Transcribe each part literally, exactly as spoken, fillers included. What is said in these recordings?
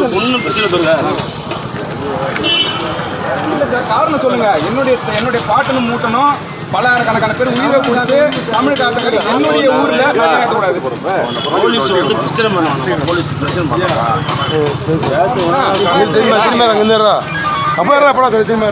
ஒன்றும் பிரச்சனை பெருங்க இல்லை சார், காரணம் சொல்லுங்க. என்னுடைய என்னுடைய பாட்டனும் மூட்டனும் பல்லாயிரக்கணக்கான பேர் உயிரை கூடாது. தமிழ் காலத்துக்கு என்னுடைய ஊர்ல கூடாது. போலீஸ் வந்து பிரச்சனை பண்ணுவாங்க. போலீஸ் பிரச்சனை பண்ணுறாங்க. அப்போ படா திரும்ப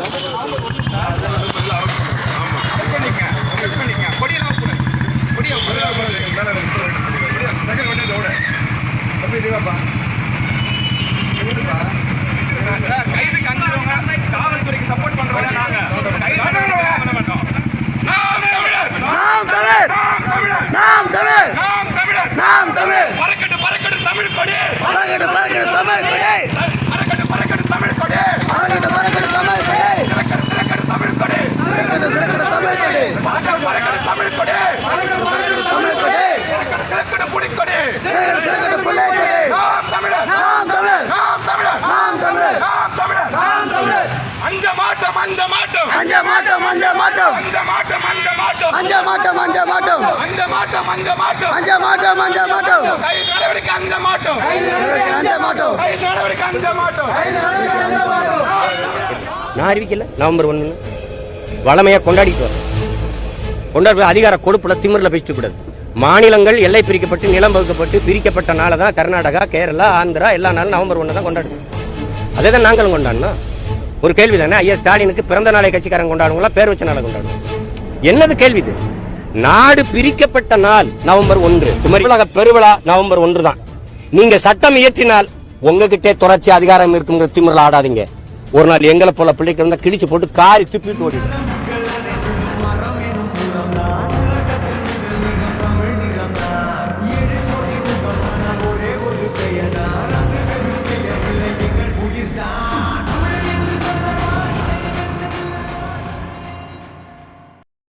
கைதுக்கு அஞ்சுறவங்க காவல்துறைக்கு சப்போர்ட் பண்றவங்க நாங்க நாம் தமிழர் நாம் தமிழர் நாம் தமிழர் நாம் தமிழர் பறக்கட்டு பறக்கட்டு தமிழ் கொடி பறக்கட்டு பறக்கட்டு தமிழ் கொடி பறக்கட்டு பறக்கட்டு தமிழ் கொடி பறக்கட்டு பறக்கட்டு தமிழ் கொடி பறக்கட்டு பறக்கட்டு தமிழ் கொடி பறக்கட்டு பறக்கட்டு தமிழ் கொடி பறக்கட்டு பறக்கட்டு தமிழ் கொடி பறக்கட்டு பறக்கட்டு தமிழ் கொடி பறக்கட்டு பறக்கட்டு புடி கொடி பறக்கட்டு பறக்கட்டு புடி கொடி நாம் தமிழர் நாம் தமிழர் நாம் தமிழர் நாம் தமிழர் நாம் தமிழர் நாம் தமிழர் அஞ்ச மாட்டோம் அஞ்ச மாட்டோம் அஞ்ச மாட்டோம் அஞ்ச மாட்டோம் அஞ்ச மாட்டோம் அஞ்ச மாட்டோம் அஞ்ச மாட்டோம் அஞ்ச மாட்டோம் அஞ்ச மாட்டோம் அஞ்ச மாட்டோம் அஞ்ச மாட்டோம் அஞ்ச மாட்டோம் கைது நடவடிக்கை அஞ்ச மாட்டோம் கைது நடவடிக்கை அஞ்ச மாட்டோம் கைது நடவடிக்கை அஞ்ச மாட்டோம் கைது நடவடிக்கை அஞ்ச மாட்டோம். நான் அறிவிக்கல நவம்பர் ஒன்று வளமையா கொண்டாடிட்டு வரோம். கொண்டாடி அதிகார கொடுப்புல திமிரில் பேசிட்டு கூடாது. மாநிலங்கள் எல்லை பிரிக்கப்பட்டு நிலம் வகுக்கப்பட்டு பிரிக்கப்பட்ட நாளை தான் கர்நாடகா, கேரளா, ஆந்திரா எல்லா நாளும் நவம்பர் ஒன்று தான் கொண்டாடுவோம். அதே தான் நாங்களும் கொண்டாடணும். ஒரு கேள்வி தானே, ஐயா ஸ்டாலினுக்கு பிறந்த நாளை கட்சிக்காரங்க கொண்டாடுங்களா, பேர் வச்ச நாளை கொண்டாடுவோம்? என்னது கேள்வி இது? நாடு பிரிக்கப்பட்ட நாள் நவம்பர் ஒன்று, குமரியுலக பெருவிழா நவம்பர் ஒன்று தான். நீங்க சட்டம் இயற்றினால் உங்ககிட்டே தொடர்ச்சி அதிகாரம் இருக்குங்கிற திமிரில் ஆடாதீங்க. ஒரு நாள் எங்களை போல பிள்ளைக்கு இருந்தா கிழிச்சு போட்டு காரி துப்பிட்டு ஓடிடும்.